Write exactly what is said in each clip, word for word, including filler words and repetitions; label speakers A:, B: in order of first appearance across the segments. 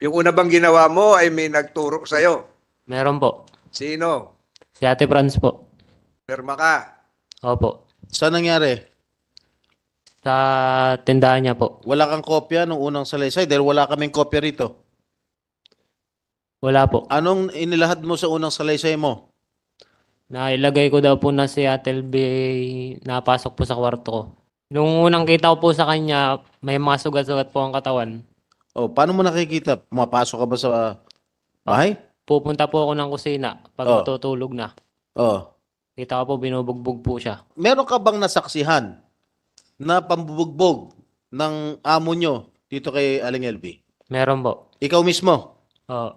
A: Yung una bang ginawa mo ay may nagturo sa'yo.
B: Meron po.
A: Sino?
B: Si Ate Franz po.
A: Perma ka.
B: Opo.
C: Saan nangyari?
B: Sa tindahan niya po.
C: Wala kang kopya nung unang salaysay dahil wala kaming kopya rito.
B: Wala po.
C: Anong inilahad mo sa unang salaysay mo?
B: Nailagay ko daw po na si Ate L B napasok po sa kwarto ko. Nung unang kita ko po sa kanya, may mga sugat-sugat po ang katawan.
C: O, paano mo nakikita? Pumapasok ka ba sa bahay?
B: Pupunta po ako ng kusina pag
C: Oh.
B: matutulog na.
C: O,
B: Kita ko po binubugbog po siya.
C: meron ka bang nasaksihan na pambubugbog ng amo nyo dito kay Aling L B?
B: Meron po.
C: Ikaw mismo?
B: Oo.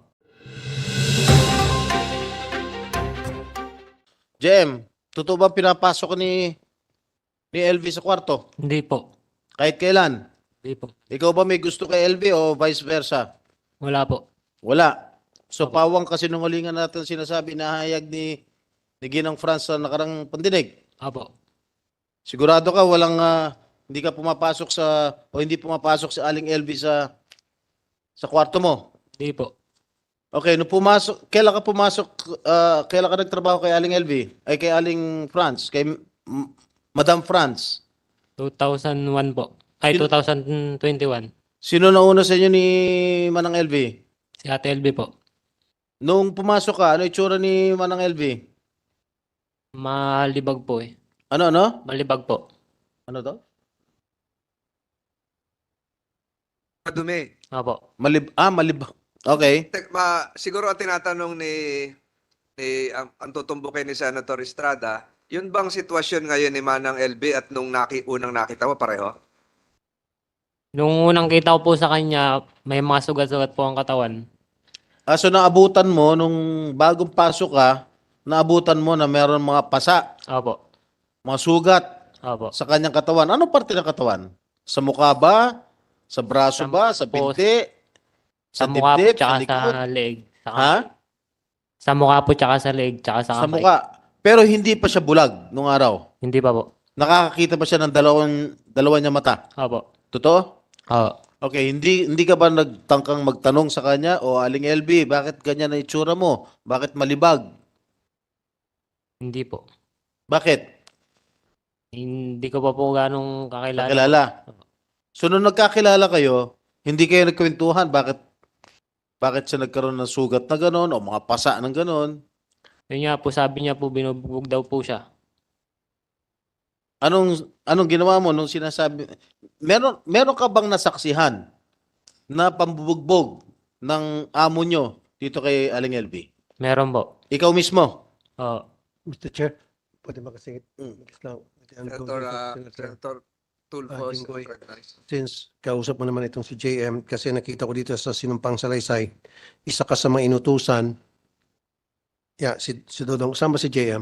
C: Jem, totoo ba pinapasok ka ni, ni L B sa kwarto?
B: Hindi po.
C: Kahit kailan?
B: Hindi po.
C: Ikaw ba may gusto kay L B o vice versa?
B: Wala po.
C: Wala. So, pawang kasinungalingan natin sinasabi na hayag ni, ni Ginang France sa nakarang pandinig.
B: Opo.
C: Sigurado ka walang ah, hindi ka pumapasok sa o hindi pumapasok si Aling L B sa sa kwarto mo.
B: Hindi po.
C: Okay, no pumasok, kailan ka pumasok, ah, kailan ka nagtrabaho kay Aling L B? Ay kay Aling France, kay M- Madam France.
B: two thousand one po. Ay,
C: Sino-
B: two thousand twenty-one.
C: Sino nauna sa inyo ni Manang L B?
B: Si Ate L B po.
C: Nung pumasok ka, ano itsura ni Manang L B?
B: Malibag po eh.
C: Ano, ano?
B: Malibag po.
C: Ano to?
A: Madumi.
B: Opo.
C: Malib ah, malib. Okay.
A: Tek- Ma, siguro ang tinatanong ni, ni ang, ang tutumbukin ni Senator Estrada, yun bang sitwasyon ngayon ni Manang L B at nung naki, unang nakita mo pareho?
B: Nung unang kita ko po sa kanya, may mga sugat-sugat po ang katawan.
C: Ah, so naabutan mo nung bagong pasok ka, naabutan mo na meron mga pasa,
B: Opo.
C: mga sugat
B: Opo.
C: sa kanyang katawan. Anong parte ng katawan? Sa mukha ba? Sa braso
B: Sa-
C: ba? Sa
B: po,
C: binti?
B: Sa
C: Sa
B: mukha po
C: dibdib? Sa
B: tsaka
C: likod?
B: sa leeg. Saka,
C: Ha?
B: Sa mukha po tsaka sa leeg tsaka sa
C: Sa
B: kamay.
C: mukha. Pero hindi pa siya bulag nung araw.
B: Hindi pa po.
C: Nakakakita ba siya ng dalawang, dalawa niya mata?
B: Opo.
C: Totoo?
B: Oo.
C: Okay, hindi hindi ka ba nagtangkang magtanong sa kanya o Aling L B, bakit ganyan na itsura mo? Bakit malibag?
B: Hindi po.
C: Bakit?
B: Hindi ko pa po ganong kakilala.
C: Kakilala. So nung nagkakilala kayo, hindi kayo nagkwentuhan bakit bakit siya nagkaroon ng sugat na gano'n o mga pasa ng gano'n?
B: Yun nga po, sabi niya po, binubugbog daw po siya.
C: Anong anong ginawa mo nung sinasabi meron meron ka bang nasaksihan na pambubugbog ng amo nyo dito kay Aling L B?
B: Meron po.
C: Ikaw mismo?
B: Oo.
D: mister Chair, pwede ba kasi
C: Mm.
D: lang,
A: Senator, uh, Senator Tulfo,
D: Ah, Jinggoy.
A: recognized.
D: since kausap mo naman itong si J M, kasi nakita ko dito sa Sinumpang Salaysay, isa ka sa mga inutusan. Yeah, si, si Dodong, saan ba si J M?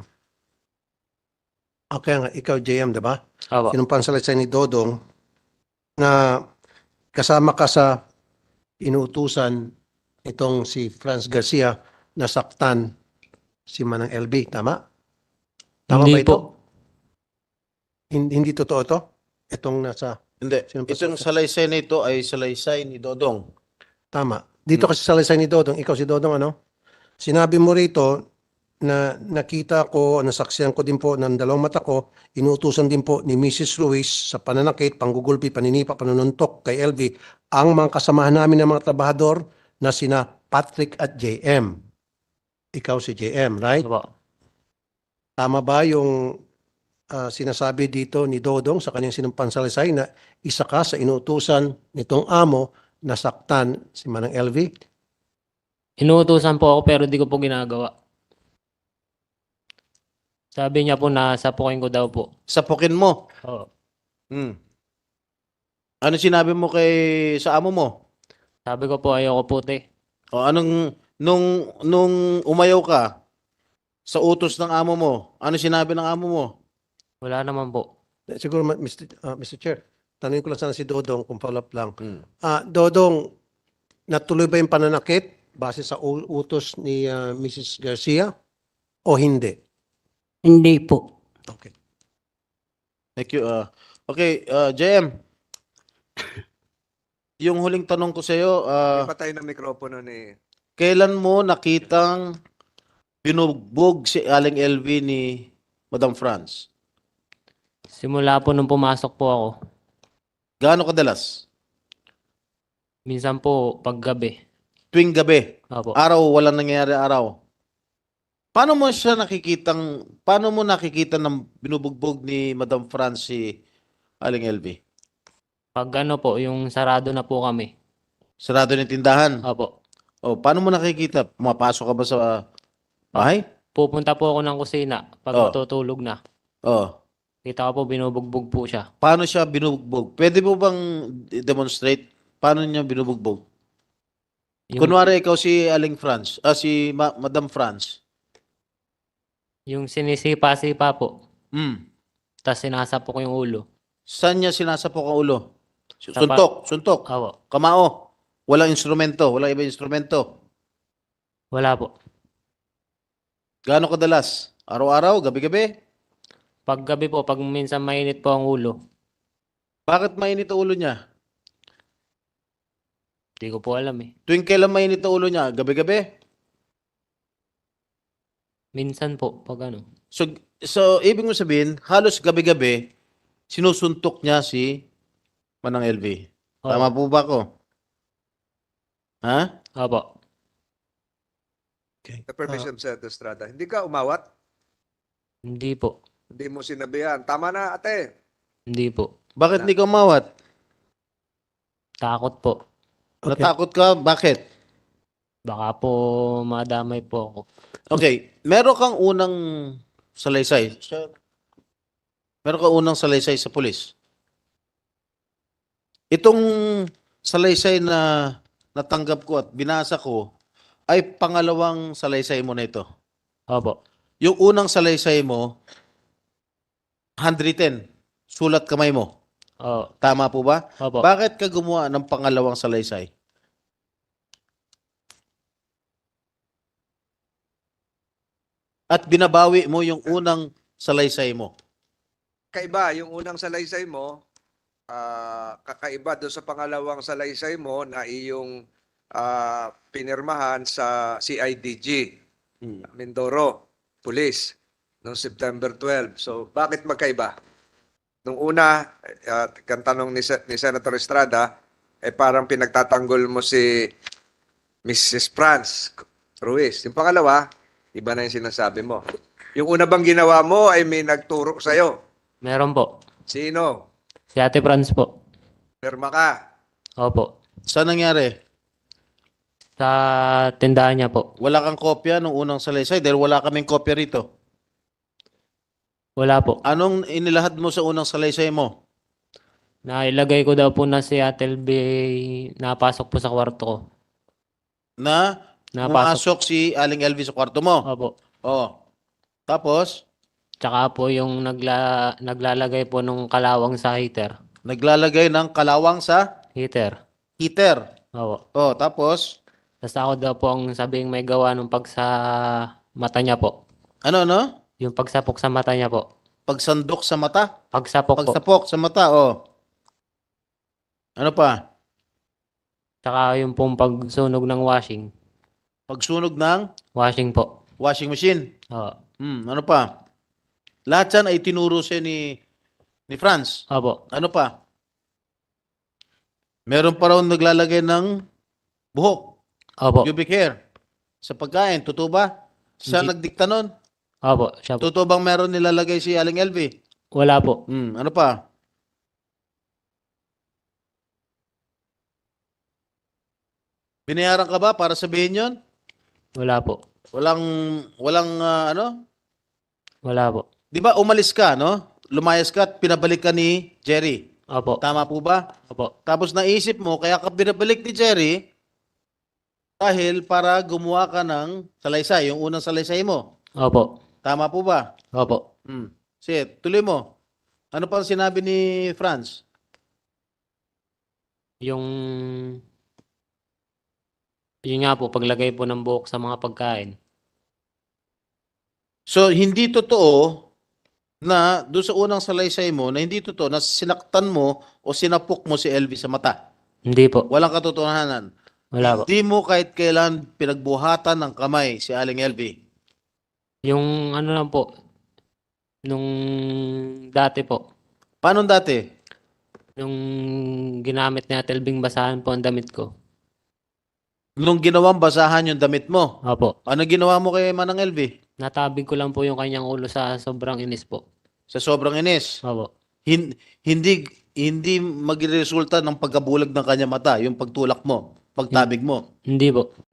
D: Okay nga, ikaw J M, diba?
B: Opo.
D: Sinumpang Salaysay ni Dodong na kasama ka sa inutusan itong si Franz Garcia na saktan si Manang L B, tama? Tama
B: Hindi
D: ba ito?
B: po.
D: Hindi, hindi totoo to? Itong nasa,
C: Hindi.
D: Sino pa-
C: Itong salaysay na ito ay salaysay ni Dodong.
D: tama. Dito kasi sa Salaysay ni Dodong, ikaw si Dodong ano? Sinabi mo rito na nakita ko, nasaksiyan ko din po ng dalawang mata ko, inuutusan din po ni Missus Ruiz sa pananakit, panggugulpi, paninipa, panununtok kay L V, ang mga kasamahan namin ng mga trabahador na sina Patrick at J M. Ikaw si J M, right?
B: Opo.
D: Tama ba yung ah, sinasabi dito ni Dodong sa kanyang sinumpang salaysay na isa ka sa inuutusan nitong amo na saktan si Manang L V?
B: Inuutusan po ako pero di ko po ginagawa. Sabi niya po na sapukin ko daw po.
C: Sapukin mo.
B: Oo.
C: Hmm. Ano sinabi mo kay sa amo mo?
B: Sabi ko po ayoko puti.
C: O anong nung nung umayaw ka sa utos ng amo mo? Ano sinabi ng amo mo?
B: Wala naman po.
D: Eh, Siguro, ma- mister ah, mister Chair, tanungin ko lang sana si Dodong kung follow up lang.
C: Hmm.
D: Ah, Dodong, natuloy ba yung pananakit base sa u- utos ni ah, Missus Garcia o hindi?
E: Hindi po.
D: Okay.
C: Thank you. Uh, okay, uh, J M. yung huling tanong ko sa iyo, ah,
A: Ipatay ng mikropono ni...
C: kailan mo nakitang binugbog si Aling L V ni Madam France?
B: Simula po nung pumasok po ako.
C: Gaano kadalas?
B: Minsan po paggabi.
C: Tuwing gabi,
B: Opo.
C: araw, walang nangyayari araw. Paano mo siya nakikitang, paano mo nakikita ng binubugbog ni Madam France si Aling L V?
B: Pag ano po, yung sarado na po kami.
C: Sarado ng tindahan.
B: Opo.
C: O, paano mo nakikita? Pumapasok ka ba sa bahay?
B: Pupunta po ako ng kusina pag
C: Oh.
B: matutulog na.
C: O,
B: Kita ko po binubugbog po siya.
C: paano siya binubugbog? Pwede mo bang demonstrate paano niya binubugbog?
B: Yung,
C: Kunwari ikaw si Aling France, ah, si Ma- Madam France.
B: yung sinisipa-sipa po.
C: Hmm.
B: Tapos sinasapok yung ulo.
C: Saan niya sinasapok ang ulo?
B: Sa
C: Suntok, suntok,
B: Opo.
C: kamao. Walang instrumento, walang ibang instrumento.
B: Wala po.
C: Gaano kadalas? Araw-araw, gabi-gabi?
B: Pag gabi po, pag minsan mainit po ang ulo.
C: Bakit mainit ang ulo niya?
B: Hindi ko po alam eh.
C: Tuwing kailan mainit ang ulo niya? Gabi-gabi?
B: Minsan po, pag ano.
C: So, so ibig mo sabihin, halos gabi-gabi, sinusuntok niya si Manang L V. Tama
B: Opo.
C: po ba ako? Ha?
B: Opo.
A: The permission sa Estrada. Hindi ka umawat?
B: Hindi po.
A: Hindi mo sinabihan. Tama na, ate.
B: Hindi po.
C: Bakit hindi ka umawat?
B: Takot po.
D: Okay.
C: Natakot ka? Bakit?
B: Baka po madamay po ako.
C: Okay, meron kang unang salaysay. Meron kang unang salaysay sa pulis. Itong salaysay na natanggap ko at binasa ko ay pangalawang salaysay mo na ito.
B: Opo.
C: Yung unang salaysay mo, handwritten, sulat kamay mo.
B: Oo.
C: Tama po ba?
B: Opo.
C: Bakit ka gumawa ng pangalawang salaysay? At binabawi mo yung unang salaysay mo.
A: Kaiba, yung unang salaysay mo, ah, kakaiba doon sa pangalawang salaysay mo na iyong ah, pinirmahan sa C I D G,
C: Hmm.
A: Mindoro, Police, noong September twelve. So, bakit magkaiba? Nung una, uh, kang tanong ni, Sen- ni Senator Estrada, eh parang pinagtatanggol mo si Missus France Ruiz. Yung pangalawa, iba na yung sinasabi mo. Yung una bang ginawa mo ay may nagturo sa'yo.
B: Meron po.
A: Sino?
B: Si Ate Franz po.
A: Pirma ka.
B: Opo.
C: Saan nangyari?
B: Sa tindahan niya po.
C: Wala kang kopya nung unang salaysay dahil wala kaming kopya rito.
B: Wala po.
C: Anong inilahad mo sa unang salaysay mo?
B: Nailagay ko daw po na si Ate L B napasok po sa kwarto ko.
C: Na
B: Napasok.
C: pumasok si Aling L V sa kwarto mo.
B: Opo.
C: Oh. Tapos,
B: Tsaka po yung nagla, naglalagay po nung kalawang sa heater.
C: naglalagay ng kalawang sa
B: Heater.
C: heater.
B: Opo.
C: Oh, tapos,
B: Tapos ako daw po ang sabing may gawa nung pag sa mata niya po.
C: ano, no?
B: Yung pagsapok sa mata niya po.
C: Pagsandok sa mata.
B: Pagsapok po.
C: Pagsapok sa mata, oh. Ano pa?
B: Tsaka yung pong pagsunog ng washing.
C: Pagsunog ng
B: Washing po.
C: washing machine.
B: Oo.
C: Hmm, ano pa? Lahat yan ay tinuro siya ni ni Franz.
B: Opo.
C: Ano pa? Meron pa raw naglalagay ng buhok,
B: Opo.
C: pubic hair, sa pagkain. Totoo ba? Siya
B: Hindi.
C: nagdikta nun?
B: Opo. Siya po.
C: Totoo bang meron nilalagay si Aling L V?
B: Wala po.
C: Hmm, ano pa? Binayaran ka ba para sabihin yon?
B: Wala po.
C: Walang, walang ah, ano?
B: Wala po.
C: Di ba umalis ka, no? Lumayas ka at pinabalik ka ni Jerry.
B: Opo.
C: Tama po ba?
B: Opo.
C: Tapos naisip mo, kaya ka pinabalik ni Jerry dahil para gumawa ka ng salaysay, yung unang salaysay mo.
B: Opo.
C: Tama po ba?
B: Opo.
C: Hmm. Sige, tuloy mo. Ano pa ang sinabi ni Franz?
B: Yung yun nga po, paglagay po ng buhok sa mga pagkain.
C: So, hindi totoo na doon sa unang salaysay mo, na hindi totoo na sinaktan mo o sinapok mo si L V sa mata.
B: Hindi po.
C: Walang katotohanan.
B: Wala po.
C: Hindi mo kahit kailan pinagbuhatan ng kamay si Aling L V.
B: Yung ano lang po, nung dati po,
C: Paano dati?
B: nung ginamit ni Ate Elving basahan po ang damit ko.
C: Nung ginawang basahan yung damit mo,
B: Opo.
C: ano ginawa mo kay Manang L V?
B: Natabig ko lang po yung kanyang ulo sa sobrang inis po.
C: Sa sobrang inis.
B: Opo.
C: Hin- hindi hindi magresulta ng pagkabulag ng kanya mata, yung pagtulak mo, pagtabig mo.
B: Hindi po.